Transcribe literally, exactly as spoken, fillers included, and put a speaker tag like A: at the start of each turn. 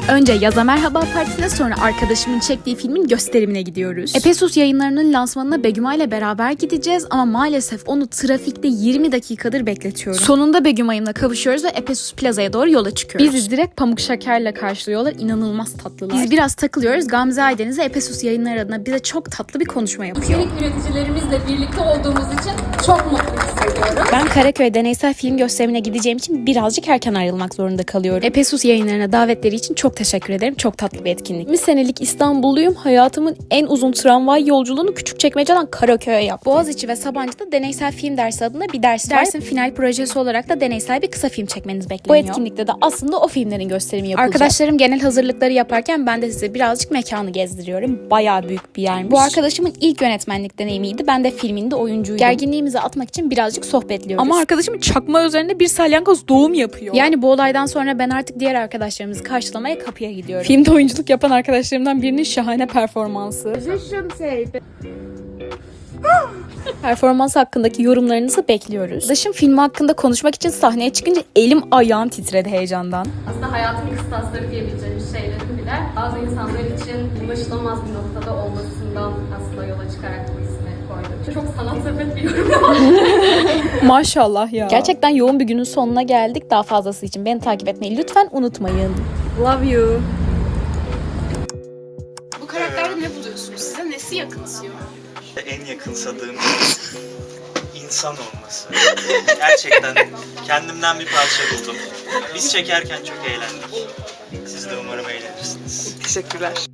A: Önce Yaza Merhaba Partisi'ne, sonra arkadaşımın çektiği filmin gösterimine gidiyoruz. Epesus Yayınları'nın lansmanına Begüma ile beraber gideceğiz ama maalesef onu trafikte yirmi dakikadır bekletiyorum. Sonunda Begümay'ımla kavuşuyoruz ve Epesus Plaza'ya doğru yola çıkıyoruz. Bizi direkt pamuk şekerle karşılıyorlar. İnanılmaz tatlılar. Biz biraz takılıyoruz. Gamze Aydeniz de Epesus Yayınları adına bize çok tatlı bir konuşma yapıyor.
B: İçerik üreticilerimizle birlikte olduğumuz için çok mutlu hissediyorum.
A: Ben Karaköy Deneysel Film Gösterimine gideceğim için birazcık erken ayrılmak zorunda kalıyorum. Epesus Yayınları'na davetleri için çok teşekkür ederim. Çok tatlı bir etkinlik. yirmi senelik İstanbulluyum. Hayatımın en uzun tramvay yolculuğunu Küçükçekmece'den Karaköy'e yaptım. Boğaziçi ve Sabancı'da deneysel film dersi adında bir ders var. Dersin final projesi olarak da deneysel bir kısa film çekmeniz bekleniyor. Bu etkinlikte de aslında o filmlerin gösterimi yapılacak. Arkadaşlarım genel hazırlıkları yaparken ben de size birazcık mekanı gezdiriyorum. Bayağı büyük bir yermiş. Bu arkadaşımın ilk yönetmenlik deneyimiydi. Ben de filminde oyuncuydum. Gerginliğimizi atmak için birazcık sohbetliyoruz. Ama arkadaşım çakma üzerinde bir salyangoz doğum yapıyor. Yani bu olaydan sonra ben artık diğer arkadaşlarımızı karşılamaya kapıya gidiyorum. Filmde oyunculuk yapan arkadaşlarımdan birinin şahane performansı. Performans hakkındaki yorumlarınızı bekliyoruz. Dışım filmi hakkında konuşmak için sahneye çıkınca elim ayağım titredi heyecandan.
B: Aslında hayatın kıstasları diyebileceğimiz şeylerin bile bazı insanlar için ulaşılamaz bir noktada olmasından aslında yola çıkarak bu ismi koyduk. Çok sanat sepet bir yorum.
A: Maşallah ya. Gerçekten yoğun bir günün sonuna geldik. Daha fazlası için beni takip etmeyi lütfen unutmayın. Love you.
C: Bu karakterde ne buluyorsunuz? Size nesi yakınsıyor?
D: En yakınsadığım insan olması. Gerçekten kendimden bir parça buldum. Biz çekerken çok eğlendik. Siz de umarım eğlenirsiniz.
C: Teşekkürler.